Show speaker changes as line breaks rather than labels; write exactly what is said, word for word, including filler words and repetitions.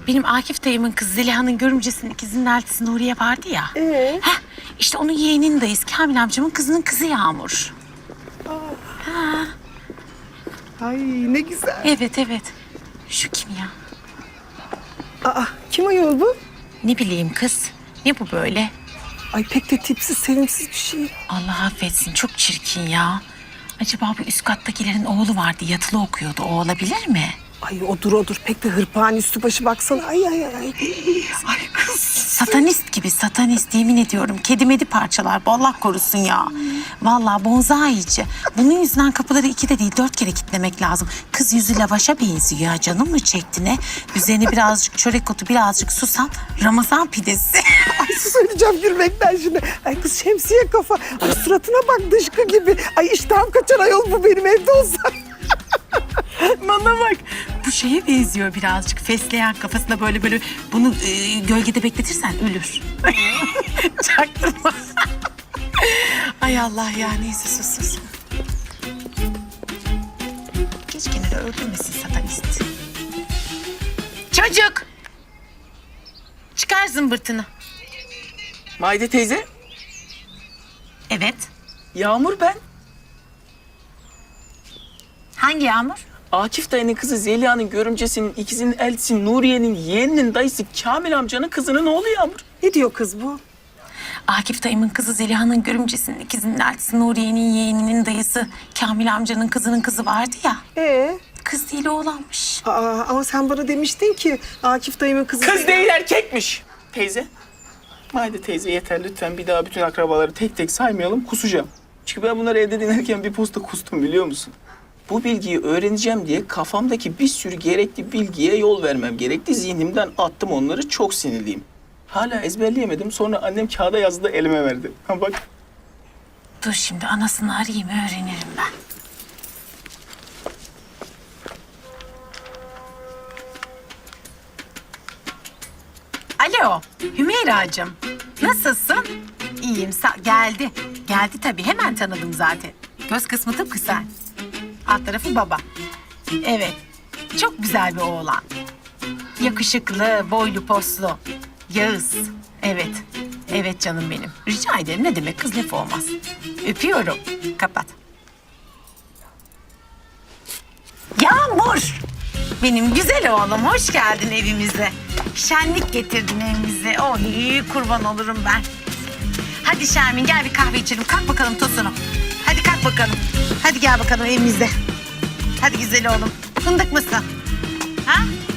Benim Akif dayımın kızı Zeliha'nın görümcesinin ikizinin eltisi Nuriye vardı ya.
Ee?
Heh, işte onun yeğeninin dayısı Kamil amcamın kızının kızı Yağmur.
Ay ne güzel.
Evet evet. Şu kim ya?
Aa, kim ayol bu?
Ne bileyim kız. Ne bu böyle?
Ay pek de tipsiz, sevimsiz bir şey.
Allah affetsin çok çirkin ya. Acaba bu üst kattakilerin oğlu vardı yatılı okuyordu. O olabilir mi?
Ay odur odur, pek de hırpani üstü başı baksana. Ay ay ay. Ay kız.
Satanist gibi satanist yemin ediyorum. Kedi medi parçalar bu Allah korusun ya. Vallahi bonzaici. Bunun yüzünden kapıları iki de değil dört kere kilitlemek lazım. Kız yüzü lavaşa benziyor ya. Canım mı çekti ne? Üzerine birazcık çörek otu birazcık susam. Ramazan pidesi.
Ay söyleyeceğim gülmekten şimdi. Ay kız şemsiye kafa. Ay suratına bak dışkı gibi. Ay iştahım kaçar ayol bu benim evde olsa.
Bana bak. Bu şeye benziyor birazcık. Fesleğen kafasında böyle böyle bunu e, gölgede bekletirsen ölür. Çaktırma. Ay Allah ya neyse sus sus. Geç kenara öldürmesin satanist. Çocuk. Çıkar zımbırtını.
Maide teyze,
Evet.
Yağmur ben.
Hangi Yağmur?
Akif dayının kızı Zeliha'nın görümcesinin, ikizinin eltisi Nuriye'nin yeğeninin dayısı Kamil amcanın kızının oğlu Yağmur.
Ne diyor kız bu?
Akif dayımın kızı Zeliha'nın görümcesinin ikizinin eltisi Nuriye'nin yeğeninin dayısı Kamil amcanın kızının kızı vardı ya.
Ee?
Kız değil oğlanmış.
Aa, ama sen bana demiştin ki Akif dayımın kızı...
Kız değil erkekmiş. Teyze, Maide teyze yeter lütfen bir daha bütün akrabaları tek tek saymayalım, kusacağım. Çünkü ben bunları evde dinlerken bir posta kustum biliyor musun? Bu bilgiyi öğreneceğim diye kafamdaki bir sürü gerekli bilgiye yol vermem gerekti. Zihnimden attım onları, çok sinirliyim. Hala ezberleyemedim, sonra annem kağıda yazdı da elime verdi. Ha bak.
Dur şimdi anasını arayayım öğrenirim ben. Alo Hümeyra'cığım. Nasılsın? İyiyim sa- geldi. Geldi tabii hemen tanıdım zaten. Göz kısmı tıpkı sen. Alt tarafı baba. Evet. Çok güzel bir oğlan. Yakışıklı, boylu poslu. Yağız. Evet. Evet canım benim. Rica ederim. Ne demek kız lafı olmaz. Öpüyorum. Kapat. Yağmur. Benim güzel oğlum. Hoş geldin evimize. Şenlik getirdin evimize. Oy kurban olurum ben. Hadi Şermin gel bir kahve içelim. Kalk bakalım Tosun'um. Hadi kalk bakalım. Hadi gel bakalım evimize. Hadi güzel oğlum. Fındık mısın? Ha?